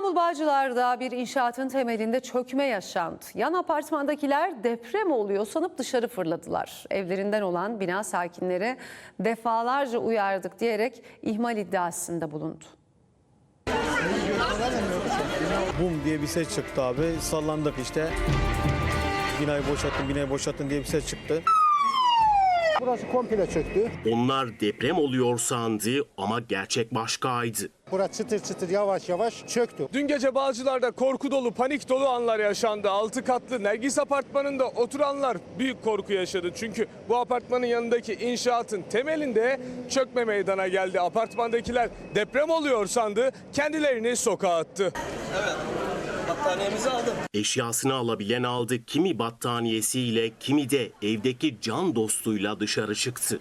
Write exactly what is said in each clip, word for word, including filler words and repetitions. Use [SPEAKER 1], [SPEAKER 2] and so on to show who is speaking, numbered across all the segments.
[SPEAKER 1] İstanbul Bağcılar'da bir inşaatın temelinde çökme yaşandı. Yan apartmandakiler deprem oluyor sanıp dışarı fırladılar. Evlerinden olan bina sakinleri defalarca uyardık diyerek ihmal iddiasında bulundu.
[SPEAKER 2] Bum diye bir ses çıktı abi. Sallandık işte. Binayı boşalttın, binayı boşalttın diye bir ses çıktı.
[SPEAKER 3] Burası komple çöktü.
[SPEAKER 4] Onlar deprem oluyor sandı ama gerçek başkaydı.
[SPEAKER 3] Burası çıtır çıtır yavaş yavaş çöktü.
[SPEAKER 5] Dün gece Bağcılar'da korku dolu, panik dolu anlar yaşandı. Altı katlı Nergis Apartmanı'nda oturanlar büyük korku yaşadı. Çünkü bu apartmanın yanındaki inşaatın temelinde çökme meydana geldi. Apartmandakiler deprem oluyor sandı, kendilerini sokağa attı.
[SPEAKER 6] Evet, battaniyemizi aldım.
[SPEAKER 4] Eşyasını alabilen aldı. Kimi battaniyesiyle, kimi de evdeki can dostuyla dışarı çıktı.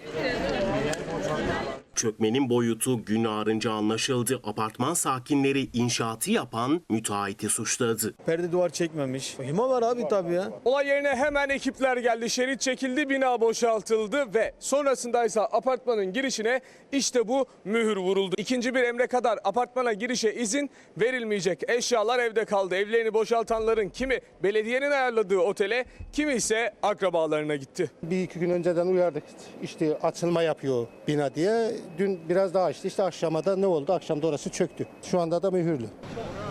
[SPEAKER 4] Çökmenin boyutu gün ağarınca anlaşıldı. Apartman sakinleri inşaatı yapan müteahhiti suçladı.
[SPEAKER 2] Perde duvar çekmemiş. İhmal var abi tabii ya.
[SPEAKER 5] Olay yerine hemen ekipler geldi, şerit çekildi, bina boşaltıldı ve sonrasındaysa apartmanın girişine işte bu mühür vuruldu. İkinci bir emre kadar apartmana girişe izin verilmeyecek. Eşyalar evde kaldı. Evlerini boşaltanların kimi belediyenin ayarladığı otele, kimi ise akrabalarına gitti.
[SPEAKER 3] Bir iki gün önceden uyardık. İşte açılma yapıyor bina diye. Dün biraz daha açtı. İşte akşama da ne oldu? Akşam da orası çöktü. Şu anda da mühürlü.